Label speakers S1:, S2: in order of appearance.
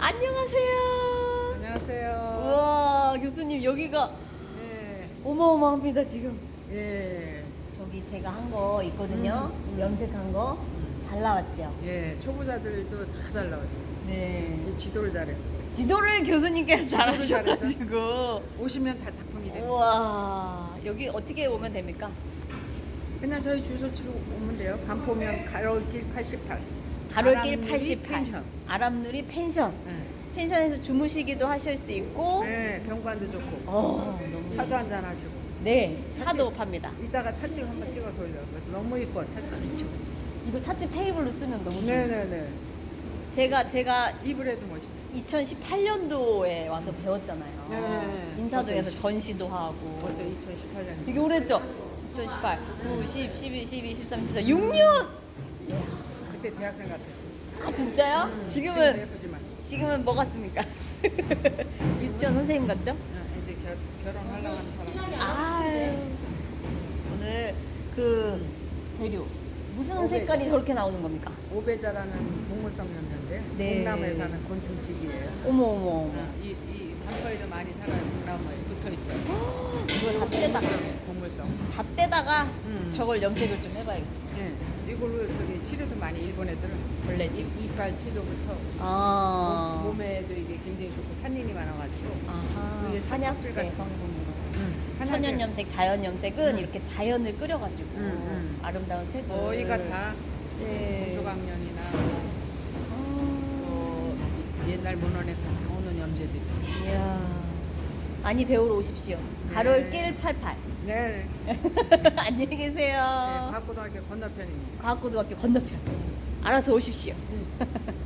S1: 안녕하세요.
S2: 안녕하세요.
S1: 우와, 교수님 여기가
S2: 예.
S1: 어마어마합니다 지금.
S2: 예.
S1: 저기 제가 한 거 있거든요.
S2: 음.
S1: 염색한 거 잘 나왔죠?
S2: 예. 초보자들도 다 잘 나와요.
S1: 네.
S2: 이 지도를 잘해서.
S1: 지도를 교수님께서
S2: 지도를
S1: 잘하셔가지고.
S2: 오시면 다 작품이 됩니다.
S1: 우와, 여기 어떻게 오면 됩니까?
S2: 그냥 저희 주소 치고 오면 돼요. 반포면 가로길 88.
S1: 가로길
S2: 아람누리
S1: 88.
S2: 펜션.
S1: 아람누리 펜션.
S2: 예.
S1: 펜션에서 주무시기도 하실 수 있고.
S2: 예. 병관도 좋고.
S1: 너무
S2: 차도 한잔 하시고.
S1: 네, 차도 팝니다.
S2: 이따가 찻집 한번 찍어서 올려요. 너무 이뻐 찻집. 그렇죠.
S1: 이거 찻집 테이블로 쓰면 너무 좋아요.
S2: 네네네.
S1: 제가
S2: 이불에도 멋있어.
S1: 2018년도에 와서 배웠잖아요.
S2: 네.
S1: 인사동에서
S2: 벌써
S1: 전시도 하고.
S2: 벌써 2018년.
S1: 되게 오래했죠? 2018, 9, 10, 11, 12, 13, 14, 6년!
S2: 그때 대학생 같았어.
S1: 아, 진짜요?
S2: 지금도
S1: 지금은,
S2: 예쁘지만.
S1: 지금은 뭐 같습니까? 유치원 선생님 같죠?
S2: 이제 결혼하려고 하는 사람.
S1: 아유. 오늘 그 재료. 무슨
S2: 오베.
S1: 색깔이 저렇게 나오는 겁니까?
S2: 오베자라는 동물성 염료인데
S1: 네.
S2: 동남아에 사는 곤충치기예요.
S1: 어머, 어머, 어머.
S2: 이 단거에도 많이 살아요. 동남아에 붙어 있어요.
S1: 이걸 다 떼다가,
S2: 동물성.
S1: 다 떼다가
S2: 음.
S1: 저걸 염색을 좀 해봐야겠어요.
S2: 예. 이걸로 저기 치료도 많이 일본 애들은
S1: 원래지?
S2: 이빨 치료부터
S1: 아.
S2: 몸에도 이게 굉장히 좋고 탄닌이 많아가지고.
S1: 아하.
S2: 이게
S1: 한약재
S2: 같은-
S1: 성분으로.
S2: 한약에
S1: 천연 염색, 자연 염색은
S2: 음.
S1: 이렇게 자연을 끓여가지고 아름다운 색을
S2: 거의가 다
S1: 네.
S2: 공조강년이나
S1: 아.
S2: 옛날 문헌에 나오는 염제들이.
S1: 이야. 많이 배우러 오십시오. 가롤길 88.
S2: 네.
S1: 안녕히 계세요.
S2: 과학고등학교 건너편입니다.
S1: 과학고등학교 건너편. 알아서 오십시오.